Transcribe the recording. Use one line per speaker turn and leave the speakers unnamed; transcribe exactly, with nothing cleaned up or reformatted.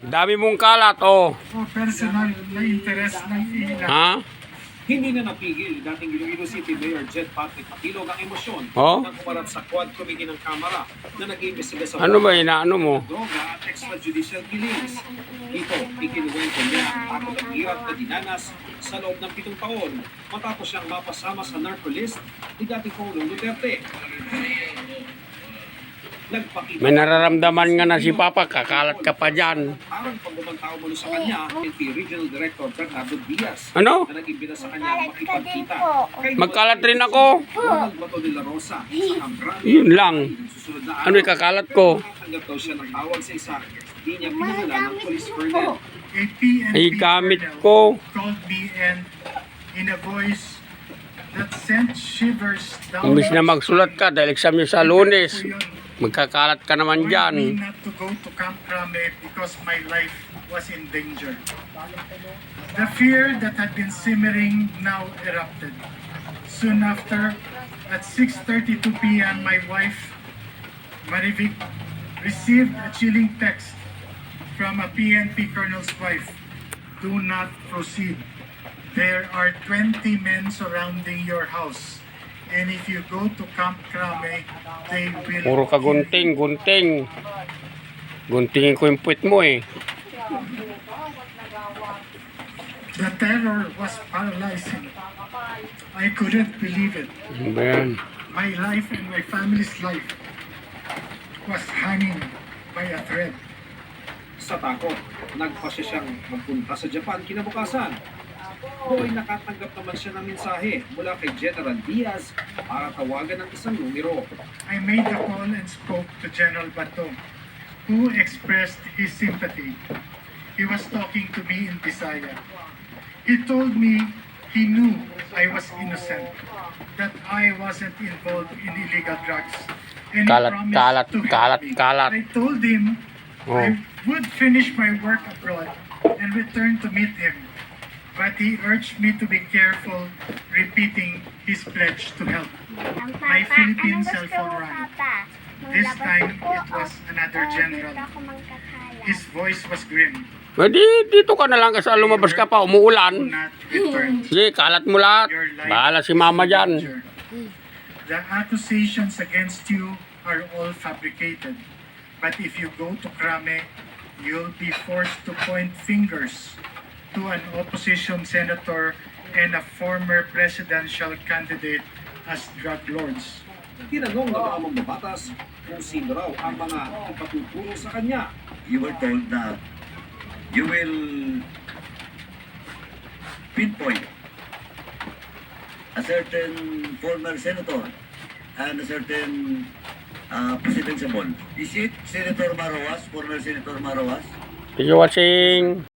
Dami mong kalat, oh.
O personal na interest ng ilan.
Ha?
Hindi na napigil dating Iloilo City Mayor Jed Patrick Patilog ang emosyon
Oh?
nang kumalat sa Quad Committee ng Kamara na nag-iimbestiga sa
Ano ba inaano mo?
droga at extrajudicial killings. Ito, ikinuwento niya ang takot at hirap na dinanas sa loob ng pitong taon matapos siyang mapasama sa narco list ni dating Pangulong Duterte. Nagpakita
May nararamdaman nga na si Papa, kakalat ka pa dyan.
parang pagbabantao mo sa kanya N P Regional Director Bernardo Diaz
Ano?
na nag-imbita sa kanya makipagkita. Kay
Magkalat rin ako.
Ronald Bato de la Rosa sa Cambrano.
Yun lang.
Susunod na
Ano yung kakalat ko?
Nakatanggap daw siya ng tawag sa isa. Hindi niya pinangalan ng police colonel.
A P N P
Ay, gamit
colonel
ko.
called me and in a voice that sent shivers down
Imbis na magsulat ka dahil exam niyo sa Lunes, magkakalat ka naman
warned
dyan.
me not to go to Camp Crame because my life was in danger. The fear that had been simmering now erupted. Soon after, at six thirty-two p m, my wife, Marivic, received a chilling text from a P N P colonel's wife. Do not proceed. There are twenty men surrounding your house. And if you go to Camp Crame, they will
Puro ka
kill you."
gunting, gunting. Guntingin ko yung puwit mo eh.
The terror was paralyzing. I couldn't believe it.
Ano ba yan?
My life and my family's life was hanging by a thread.
Sa takot, nagpasya siyang magpunta sa Japan kinabukasan. Doon nakatanggap naman siya ng mensahe mula kay General Diaz para tawagan ng isang numero.
I made the call and spoke to General Bato, who expressed his sympathy. He was talking to me in Bisaya. He told me he knew I was innocent, that I wasn't involved in illegal drugs. And he
Kalat,
promised
kalat,
to help
kalat,
me.
kalat.
I told him
Oh.
I would finish my work abroad and return to meet him. But he urged me to be careful, repeating his pledge to help. My Philippine cellphone rang. This time, it was another general. His voice was grim.
Pwede, dito ka na lang kasi lumabas ka pa,
Do
umuulan.
not return.
Sige, kalat mo lahat.
Your life
Bahala si Mama
is in
dyan.
danger. The accusations against you are all fabricated. But if you go to Crame, you'll be forced to point fingers to an opposition senator and a former presidential candidate as drug lords.
Tinanong ng mga mambabatas kung sino raw ang mga ipatuturo sa kanya.
You were told that you will pinpoint a certain former senator and a certain uh, presidential bond. Is it Senator Maroas, former Senator Maroas?
Thank you watching.